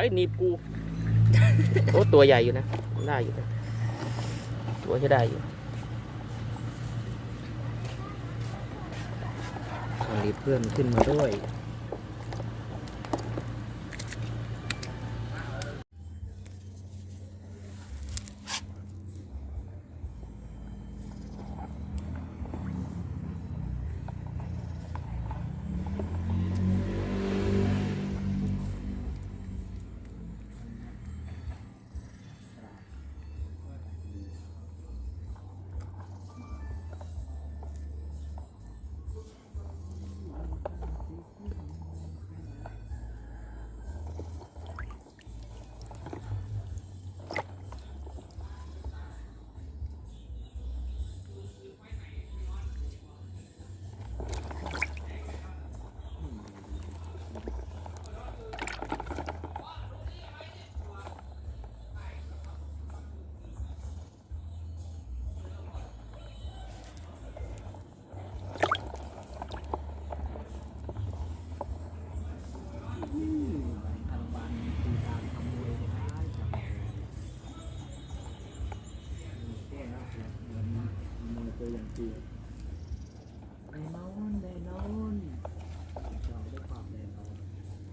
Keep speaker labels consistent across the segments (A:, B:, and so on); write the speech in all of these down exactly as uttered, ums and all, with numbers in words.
A: ยหนีบกูโอ้ตัวใหญ่อยู่นะได้อยู่นะตัวใช้ได้อยู่
B: รีบเพื่อนขึ้นมาด้วยอย่างที่ได้นอนได้นอนเจ้าได้ความได้นอน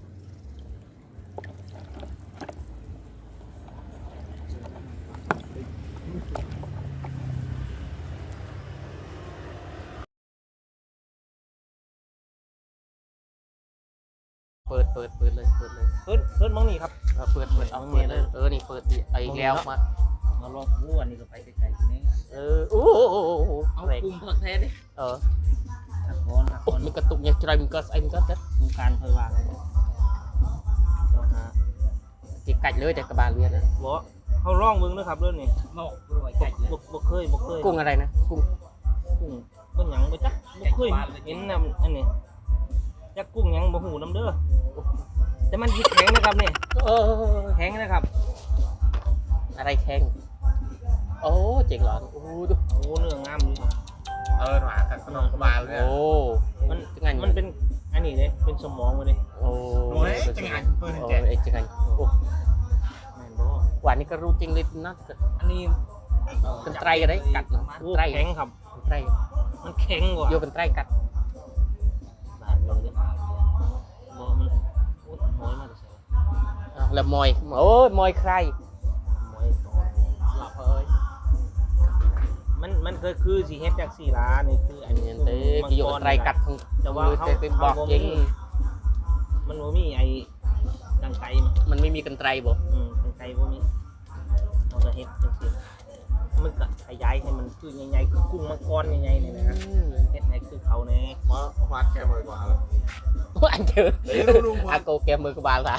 A: เปิดเปิดเปิดเลยเปิดเลย
B: เปิดเปิดมองนี่ครับ
A: เปิดเปิดเอาเปิดเลยเออนี่เปิดไอ้แล้วมา
B: มาลองวู้อันนี้ก็ไปไกลๆทีนี้
A: เออโอ้โห
B: เอาคุมเพิ่งแท้ดิ
A: เออ
B: หักคอนหักคอน
A: มันกระตุกเนี่ยใจมันก็ไอ้มันก็เด็ด
B: คุมการเคยวางเลยเจ้าฮะ
A: จีกัดเลยแต่กระบาลเรียนนะ
B: บ่เขาล่องมึงนะครับเรื่องนี้บ่บ่ไก่บ่บ่เคยบ่เคย
A: กุ้งอะไรนะกุ้ง
B: กุ้งกุ้งหยังบ่จักบ่เคยเห็นนำอันนี้จักกุ้งหยังบ่หูน้ำเด้อแต่มันแข็งนะครับนี่
A: เออ
B: แข็งนะครับ
A: อะไรแข็งโอ้เจ๋งหรอโอ้ดู
B: โอ้เนื้องามอยู่ครับ
C: เออหวานกับขนมกระบาลเลย
A: โอ้
B: มันมันเป็นอันนี้เลยเป็นสมองเลย
A: โอ้
C: ยจังไงเปิดแจก
A: ไอ้จังไงโอ้หวานนี่ก็รู้จริงเลยนะ
B: อันนี้
A: เป็นไตรอะไรกัด
B: ไตรแข็งครับ
A: ไตร
B: มันแข็งกว่า
A: โยเป็นไตรกัด
B: บานเลยบ่มันโอ้ยมากเลย
A: แล้วมอยโอ้ยมอยใคร
B: มอยหลับเอ้ยมันมันก็คือสีเฮ็ดจากสีล้านี่คืออันนี้
A: เต้กิโยไตรกัดของ
B: แต่ว่าเขา
A: เป็นบอกจริง
B: มันบ่มีไอ้กังไก
A: มันไม่มีกันไตรบ่
B: อืมกังไกบ่มีเราก็เฮ็ดจังซี่มันก็ขยายให้มันคือใหญ่ๆคือกุ้งมังกรใหญ่ๆนี่นะเฮ็ดให้คือเขาแน่
C: มาวัดแค่มือกว่าเลย
A: อันเจออาโกแกมือกบาลค่ะ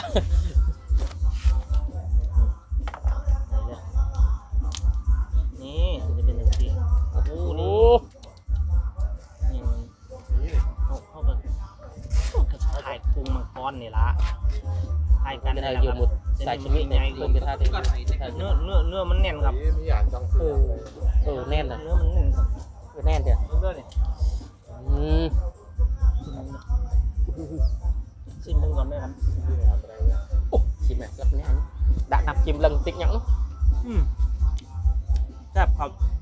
B: นี่จะเป็นอย่างนี้โอ้โหนี่นี่เขาเขาแบบถ่ายกุ้งมังกรนี่ละถ่ายกัน
A: ได้อยู่หมดใส่ชนิดไหนเพิ่มจะท่าเ
B: นื้อเนื้อเนื้อมันแน่นครับ
C: มีอย่างจังเออ
A: เออแน่นเลย
B: เนื้อมันแน่นครับ
A: เออแน่นเดี๋ยว
B: เนื้อเนี่ย
A: อืม
B: ชิมมึงก่อนไหมครับ
A: โอ้ชิมแบบรับแน่นดักนับชิมลังติ๊กยัง
B: อืมแซ่บครับ